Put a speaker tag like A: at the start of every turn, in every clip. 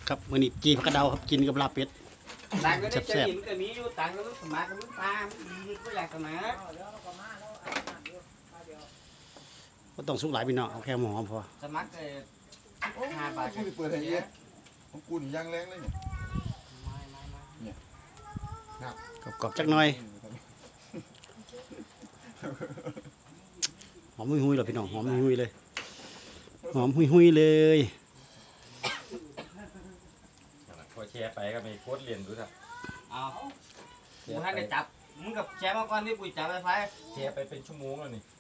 A: ครับมื้อนี้จีผักกระเดาครับกินกับลาบเป็ด
B: ต่างก็ได้จะหินก็มีอยู่ต่างก็สมัครก็มึงตามก็อยากสมัคร
A: ก็ต้องสุกหลายพี่น้องเอาแค่หอมพอ
B: สมัครเลย5 บาท
C: กูเปิดให้เยอะของกูนี่ย่างแรงเลยเนี่ย
A: กรอบๆจักหน่อยหอมหุยๆเลยพี่น้องหอมหุยๆเลยหอมหุยๆเลย
D: พอแชร์ไปก็มีโค้ดเรียนดูครับ
B: เอากูให้ได้จับมึงกับแชร์มาก่อนที่กูจับไฟ
D: แชร์ไปเป็นชั่วโมงแล้วนี่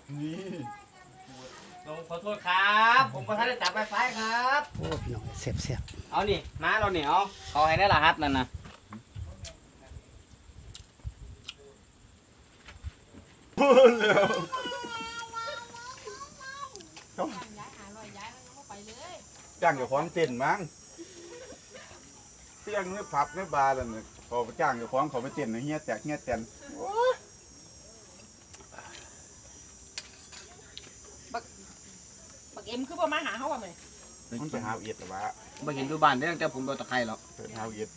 B: ขอโทษครับผมก็ให้ได้จับไฟครับ
A: โอ้พี่น้องเสียบ
B: เอานี่มาเราเนี่ยเอาเขาให้ได้รหัสนั่นนะ
C: จ้างกับของเต้นมั้งเตี้ยงเนื้อผับเนื้อบาร์แล้วเนี่ยพอจ้างกับของเขาไปเต้นเฮียแตกเฮียแตน
E: บักเอ็มคือบ่มาหาเขาว่าไหม
C: มันไปหาเอียดหรือวะ
B: ไม่เห็นดูบ้านได้ตั้งแต่ผมโดนตะไคร้หรอก
C: ไปหาเอียด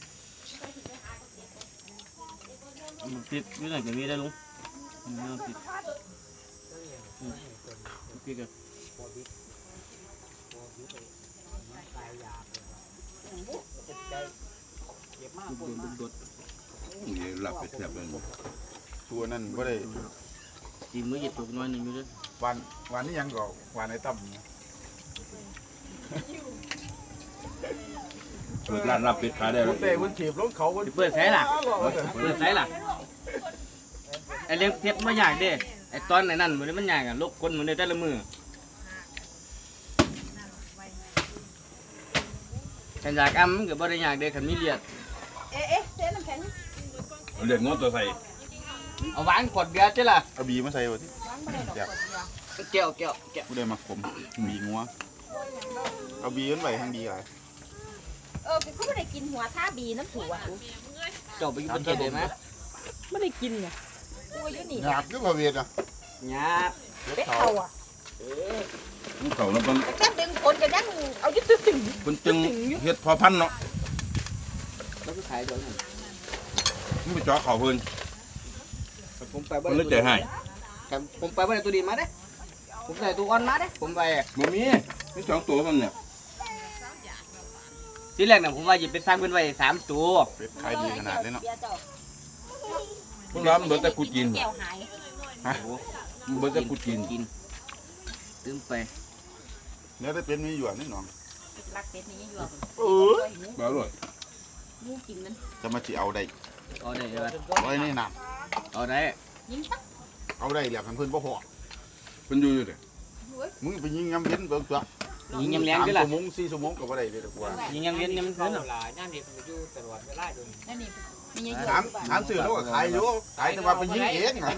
B: ติดนี่ไหนจะมีได้ลุงติดพี่กัน
C: นี่หลับไปแทบเลยตัวนั้นก็ได้
B: จีมือหยิบตัวน้อยหนึ่งอยู่ด้วย
C: วันนี้ยังก็วันในตั้ม
D: เปิดร้านรับเป็ดขายได้
C: วันเตะวันถีบรถเขา
B: เปิดใช้ล่ะไอเลี้ยงเพชรไม่อยากเด้ไอตอนไหนนั่นมันมันอยากกันลบคนมันได้แต่ละมือฉันอยากมันก็บ่ได้อยากเด้ขันมีเลียด
E: เส้นน้ำแข็ง
D: เรียกงอตัวใส่
B: เอาหวานขวดเบียร์ใช่ล่ะ
C: เอาบีมาใส่วะที่
B: เกี่ยว
C: กูได้มาขมบีงัวเอาบีขึ้นไปทางบีไร
E: เขาไม่ได้กินหัวท่าบีน้ำถั่ว
B: จบไปกินได้ไหม
E: ไม่ได้กินไงกูอยู่นี่
C: หยาบก็มาเวียนอ่ะ
B: หยาบ
E: เป็ดเข่าอ่ะ
D: เขาแล้วมัน
E: แค่ดึงคนกันยังเอายึดตึง
D: มันจึงเฮ็ดพอพันเนาะ
B: แล้วก็ขายเดี๋ยวนี้
D: นี่ไปจ่อเขาเพิ่น
B: ผมไป
D: มันเลยใจให้
B: ผมไปบ่ได้ตัวดีมาเด้ผมได้ตัวอ่อนมาเด้ผมไป
D: บ่มี2ตัวมันเนี่ย
B: ทีแรกเนี่ยผมว่าหยิบไปสร้างเป็นไว้3 ตัว
C: เป็ดขายดีขนาดเลยเนาะ
D: พวกเราเบิดแต่กูกิน
C: ฮะ
D: เบิดแต่กูกิน
B: ตึ้มไป
C: แล้วได้เป็นมีอยู่นี่น้อง
E: รักเป็ดนี่อยู่
D: บ่อร่อย
E: มูกินมัน
C: จะมาจีเอาได้
B: เลย
C: ไว้นี่น้
B: ำเอาได้
E: ยิงปั๊บ
C: เอาได้เหลี่ยมเพื่อนพ่อพ่อ
D: เพิ่นอยู่เด้
C: มึงไปยิงยำเย็นเบิ่งตัว
B: ยิงยำแรงก็ล่ะ
C: 3 ชั่วโมง 4 ชั่วโมงก็บ่ได้เลยดีกว่า
B: ยิงยำเย็นนี่มันขึ้นหรอ
E: นั่นนี่มันอยู่ตลอดเวลาอยู่นั่นนี่
C: ถามสื่อแล้วก็ขายอยู่ขายแต่ว่าไปยิงเองไง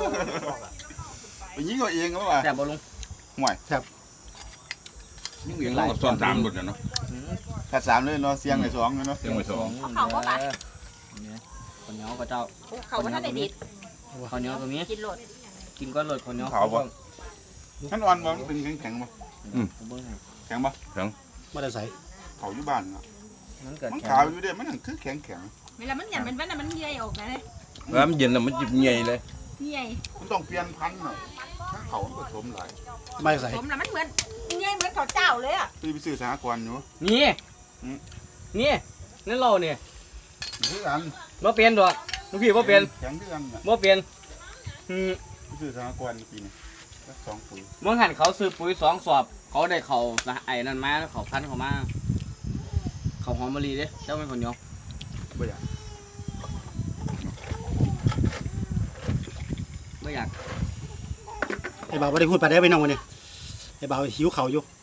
C: ไปยิงเอาเองก็ว่า
B: แซ่บบ่ลุง
C: ห่วยแซ่บ
D: ยิงเองเราซ้อน3หมดเนาะ
C: แค่3เลยเนาะเสียงไอ้2เนาะ
D: เสียงไอ้2
E: เขาบ่ปะ
B: คนเหนียวก็เจ้า
E: เขาบ่ทันได้ดิด
B: คนเหนียวตรงนี้
E: กินโลด
B: กินก้อนโลดคนเหนียว
C: เขาบ่ขั้นอ่อนบ่เป็นแข็งบ่แข็งบ่
D: แข็ง
A: ไม่ได้ใส่
C: เขาอยู่บ้านเนาะมันขาวอยู่เด้มันคือแข็ง
E: เวลามันหยันมันใหญ่ออกนะเนี่ย
D: แล้วมันเย็นแล้วมันจิบใหญ่เลย
E: ใหญ่
C: มันต้องเปลี่ยนพันธุ์หน่อยถ้าเขาผสมหลาย
A: ไม่ใส่
E: ผสมแล้วมันเหมือนใหญ่เหมือนข้าวเจ้าเลยอ่ะ
C: ไปซื้อสหกรณ์อยู่
B: นี่นั่นเราเนี่ย
C: คือกัน
B: บ่เปลี่ยนดอกลูกพี่บ่เปลี่ยน
C: แข็งคือกัน
B: บ่เปลี่ยน
C: ซื้อสหกรณ์ปีนี้2 ปุ๋ย
B: เมื่อหันเขาซื้อปุ๋ย2 สอบเขาได้เขาไอ้นั่นมาเขาพันเขามาเขาหอมมะลิเด้เจ้าเป็นคนเหนียว
C: ไม่อยาก
A: ไอ้บ่าวไม่ได้พูดไปได้ไปน้องวันนี้ไอ้บ่าวหิวเข่าอยู่